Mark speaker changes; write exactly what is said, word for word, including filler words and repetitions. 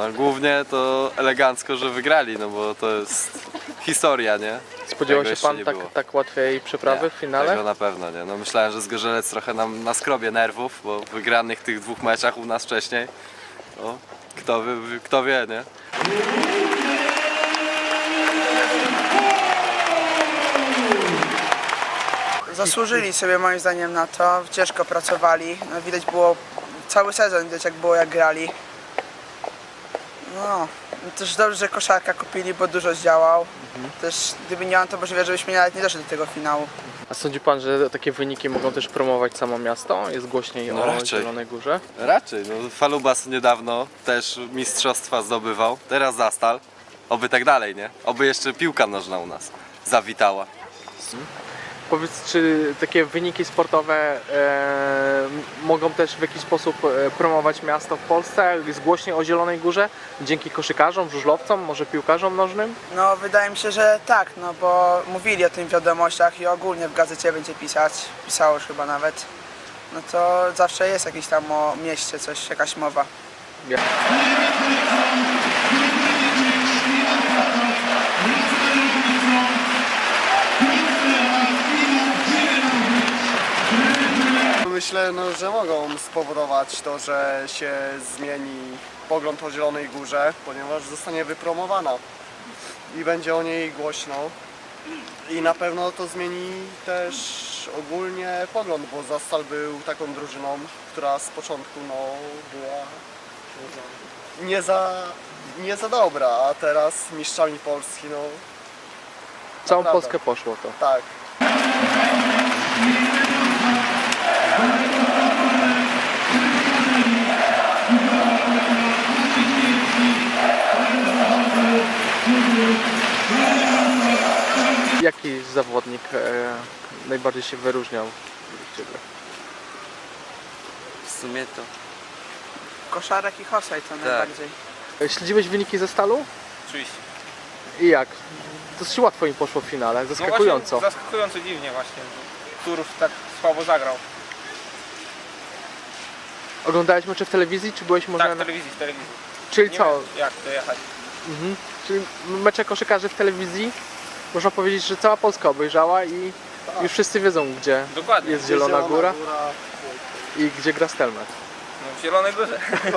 Speaker 1: a głównie to elegancko, że wygrali, no bo to jest historia, nie?
Speaker 2: Spodziewał
Speaker 1: Tego
Speaker 2: się pan
Speaker 1: jeszcze nie
Speaker 2: tak,
Speaker 1: było.
Speaker 2: tak łatwej przeprawy
Speaker 1: Nie,
Speaker 2: w finale?
Speaker 1: Tego na pewno nie. No myślałem, że Zgorzelec trochę nam naskrobię nerwów, bo w wygranych tych dwóch meczach u nas wcześniej. No, kto, wie, kto wie, nie?
Speaker 3: Zasłużyli sobie moim zdaniem na to, ciężko pracowali, no, widać było cały sezon, widać jak było jak grali. No, też dobrze, że koszarka kupili, bo dużo zdziałał.
Speaker 2: Mhm.
Speaker 3: Też gdyby nie on, to możliwe, żebyśmy nawet nie doszli do tego finału.
Speaker 2: A sądzi pan, że takie wyniki mogą też promować samo miasto? Jest głośniej
Speaker 1: No
Speaker 2: o
Speaker 1: raczej.
Speaker 2: Zielonej Górze?
Speaker 1: Raczej, no Falubas niedawno też mistrzostwa zdobywał, teraz Zastal. Oby tak dalej, nie? Oby jeszcze piłka nożna u nas zawitała.
Speaker 2: Powiedz, czy takie wyniki sportowe e, mogą też w jakiś sposób e, promować miasto w Polsce? Jest głośniej o Zielonej Górze? Dzięki koszykarzom, żużlowcom, może piłkarzom nożnym?
Speaker 3: No wydaje mi się, że tak, no bo mówili o tym w wiadomościach i ogólnie w gazecie będzie pisać, pisało już chyba nawet. No to zawsze jest jakiś tam o mieście coś, jakaś mowa.
Speaker 2: Ja.
Speaker 4: Myślę, no, że mogą spowodować to, że się zmieni pogląd o Zielonej Górze, ponieważ zostanie wypromowana i będzie o niej głośno. I na pewno to zmieni też ogólnie pogląd, bo Zastal był taką drużyną, która z początku no, była nie za, nie za dobra, a teraz mistrzami Polski, no
Speaker 2: Całą
Speaker 4: naprawdę.
Speaker 2: Polskę poszło to.
Speaker 4: tak.
Speaker 2: Jaki zawodnik e, najbardziej się wyróżniał według ciebie?
Speaker 5: W sumie to
Speaker 3: Koszarek i Hosej to najbardziej.
Speaker 2: E, Śledziłeś wyniki ze Stalu?
Speaker 6: Oczywiście.
Speaker 2: I jak? Dosyć łatwo im poszło w finale,
Speaker 6: No
Speaker 2: zaskakująco.
Speaker 6: właśnie, zaskakująco dziwnie właśnie, że Turów tak słabo zagrał.
Speaker 2: Oglądałeś mecze w telewizji, czy byłeś może...
Speaker 6: Tak, w
Speaker 2: na...
Speaker 6: telewizji, w telewizji.
Speaker 2: Czyli
Speaker 6: Nie
Speaker 2: co?
Speaker 6: wiem, jak dojechać.
Speaker 2: Mhm. Czyli mecze koszykarzy w telewizji, można powiedzieć, że cała Polska obejrzała i już wszyscy wiedzą, gdzie
Speaker 6: Dokładnie.
Speaker 2: jest Zielona Góra i gdzie gra Stelmet.
Speaker 6: No, w Zielonej Górze.